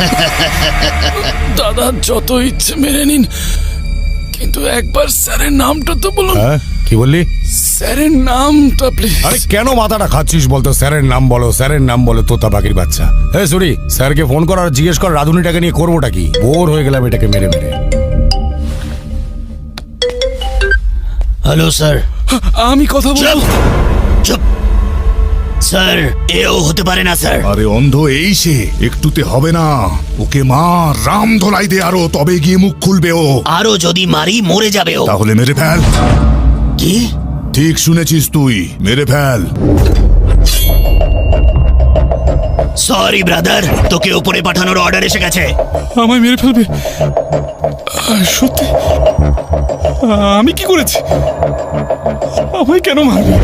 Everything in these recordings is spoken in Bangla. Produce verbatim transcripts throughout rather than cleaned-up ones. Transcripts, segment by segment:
দাদা যত ইচ্ছে মেনে নিন, কিন্তু একবার স্যারের নামটা তো বলুন। হ্যাঁ কি বললি? স্যারের নামটা প্লিজ। আরে কেন মাথাটা খাচ্ছিস বলতো? স্যারের নাম বলো, স্যারের নাম বলো, তোতা পাখির বাচ্চা। হ্যাঁ সরি, স্যারকে ফোন কর আর জিজ্ঞেস কর রাধুনিটাকে নিয়ে করবোটা কি। বোর হয়ে গেলাম এটাকে মেরে মেরে। Hello sir. আমি কথা বলবো। চুপ স্যার, এও হতে পারে না স্যার। আরে অন্ধ এই সে, একটুতে হবে না। ওকে মা রাম ধলাই দে আরো, তবে গিয়ে মুখ খুলবে ও। আরো যদি মারি মরে যাবে ও। তাহলে মেরে ফেল। কি? ঠিক শুনেছিস তুই, মেরে ফেল। সরি ব্রাদার, তোকে উপরে পাঠানোর অর্ডার এসে গেছে। আমায় মেরে ফেলবে? আহ, সত্যি? আহ, আমি কি করেছি? আমায় কেন মারবে?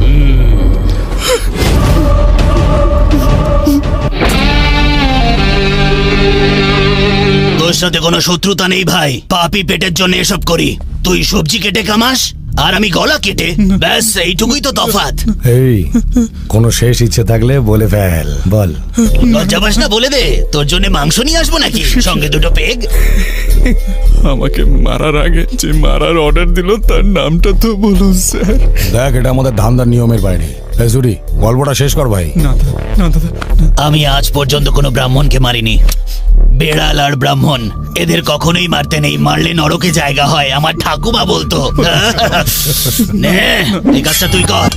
তোর সাথে কোনো শত্রুতা নেই ভাই, পাপি পেটের জন্য এসব করি। তুই সবজি কেটে কামাস আর আমি গলা কেটে, ব্যাস এইটুকুই তো তফাৎ। এই কোনো শেষ ইচ্ছে থাকলে বলে ফেল, বল। লজ্জা পাস না? বলে দে, তোর জন্য মাংস নিয়ে আসবো নাকি সঙ্গে দুটো পেগ? আমাকে মারার আগে যে মারার অর্ডার দিল তার নামটা তো বলুন স্যার। দেখ এটা আমাদের ধান্দার নিয়মের বাইরে। এই সরি, গল্পটা শেষ কর ভাই। না দাদা, না দাদা, আমি আজ পর্যন্ত কোনো ব্রাহ্মণকে মারিনি। বেড়াল আর ব্রাহ্মণ এদের কখনোই মারতে নেই, মারলে নরকে জায়গা হয়, আমার ঠাকুমা বলতো। নে এই কাজটা তুই কর।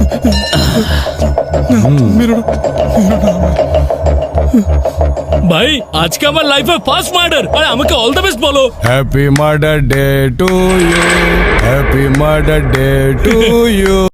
মেরো না, মেরো না আমায়। ভাই আজকে আমার লাইফে ফার্স্ট মার্ডার, আর আমাকে অল দ্য বেস্ট বলো। Happy murder day to you, happy murder day to you.